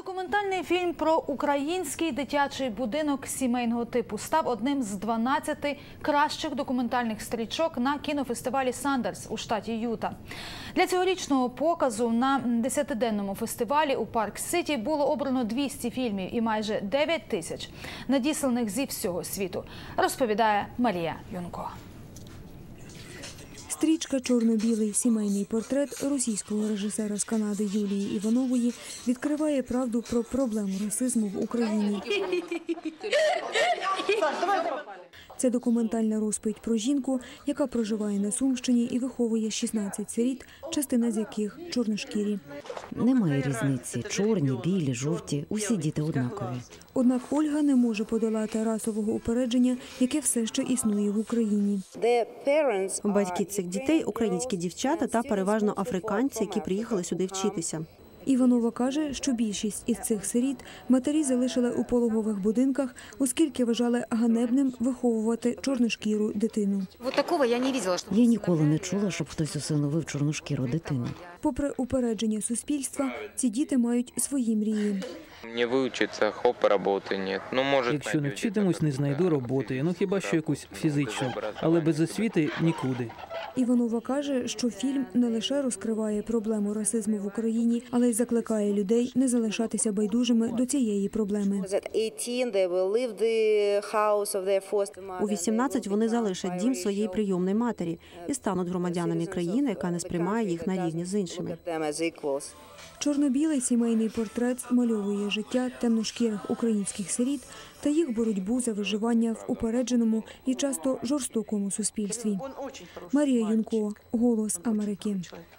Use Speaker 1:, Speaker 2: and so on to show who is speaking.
Speaker 1: Документальний фільм про український дитячий будинок сімейного типу став одним з 12 кращих документальних стрічок на кінофестивалі «Сандерс» у штаті Юта. Для цьогорічного показу на 10-денному фестивалі у Парк-Сіті було обрано 200 фільмів і майже 9 тисяч, надісланих зі всього світу, розповідає Марія Юнко.
Speaker 2: Стрічка «Чорно-білий сімейний портрет» російського режисера з Канади Юлії Іванової відкриває правду про проблему расизму в Україні. Це документальна розповідь про жінку, яка проживає на Сумщині і виховує 16 сиріт, частина з яких чорношкірі.
Speaker 3: Немає різниці – чорні, білі, жовті – усі діти однакові.
Speaker 2: Однак Ольга не може подолати расового упередження, яке все ще існує в Україні.
Speaker 4: Батьки цих дітей – українські дівчата та переважно африканці, які приїхали сюди вчитися.
Speaker 2: Іванова каже, що більшість із цих сиріт матері залишили у пологових будинках, оскільки вважали ганебним виховувати чорношкіру дитину.
Speaker 3: Я ніколи не чула, щоб хтось усиновив чорношкіру дитину.
Speaker 2: Попри упередження суспільства, ці діти мають свої мрії.
Speaker 5: Не вивчиться, роботи нет.
Speaker 6: Якщо не вчитимусь, не знайду роботи, хіба що якусь фізичну, але без освіти нікуди.
Speaker 2: Іванова каже, що фільм не лише розкриває проблему расизму в Україні, але й закликає людей не залишатися байдужими до цієї проблеми.
Speaker 4: У 18 вони залишать дім своєї прийомної матері і стануть громадянами країни, яка не сприймає їх на рівні з іншими.
Speaker 2: Чорно-білий сімейний портрет змальовує життя темношкірих українських сиріт та їх боротьбу за виживання в упередженому і часто жорстокому суспільстві. Марія Юнко, «Голос Америки».